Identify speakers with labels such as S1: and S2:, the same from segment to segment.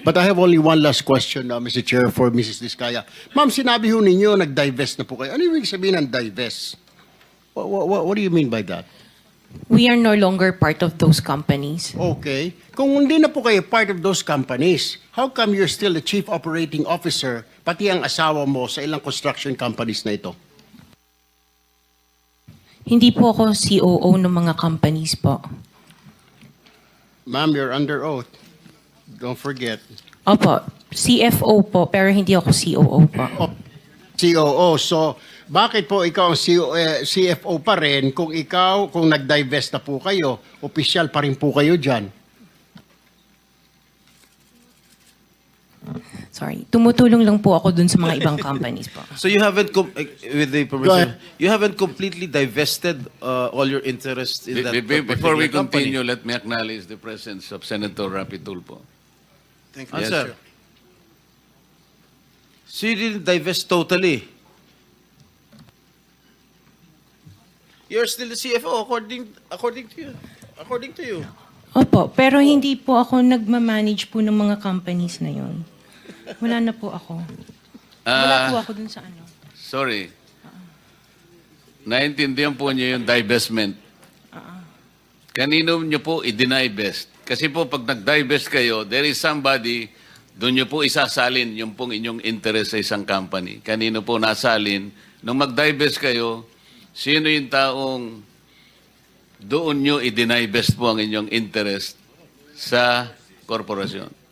S1: But I have only one last question, Mr. Chair, for Mrs. Diskaya. Ma'am, sinabi ho ninyo, nag-divest na po kayo. Ano yung sabihin ng divest? What do you mean by that?
S2: We are no longer part of those companies.
S1: Okay. Kung hindi na po kayo part of those companies, how come you're still the chief operating officer, pati ang asawa mo sa ilang construction companies na ito?
S2: Hindi po ako COO ng mga companies po.
S1: Ma'am, you're under oath. Don't forget.
S2: Opo, CFO po, pero hindi ako COO po.
S1: Oh, COO. So, bakit po ikaw ang CFO pa rin kung nag-divest na po kayo, opisyal pa rin po kayo dyan?
S2: Sorry, tumutulong lang po ako dun sa mga ibang companies po.
S3: So you haven't, with the
S1: Go
S3: permission,
S1: ahead.
S3: you haven't completely divested all your interest in that
S4: Before we
S3: particular company.
S4: continue, let me acknowledge the presence of Senator Rapi Tulfo.
S1: Thank you.
S3: Answer. So you didn't divest totally. You're still the CFO according to you.
S2: Opo, pero hindi po ako nagmamanage po ng mga companies na yun. Wala na po ako. Wala po ako dun sa ano.
S4: Sorry. Naintindihan po niyo yung divestment. Kanino niyo po i-divest? Kasi po pag nag-divest kayo, there is somebody, doon niyo po isasalin yung pong inyong interest sa isang company. Kanino po nasalin? Nung mag-divest kayo, sino yung taong doon niyo i-divest po ang inyong interest sa korporasyon?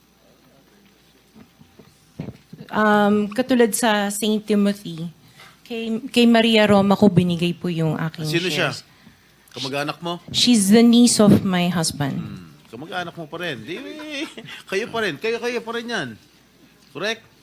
S2: Katulad sa St. Timothy, kay Maria Roma ko binigay po yung aking
S3: Sino siya?
S2: shares.
S3: Kamag-anak mo?
S2: She's the niece of my husband.
S3: Kamag-anak mo pa rin. Di, kayo pa rin. Kayo pa rin yan. Correct?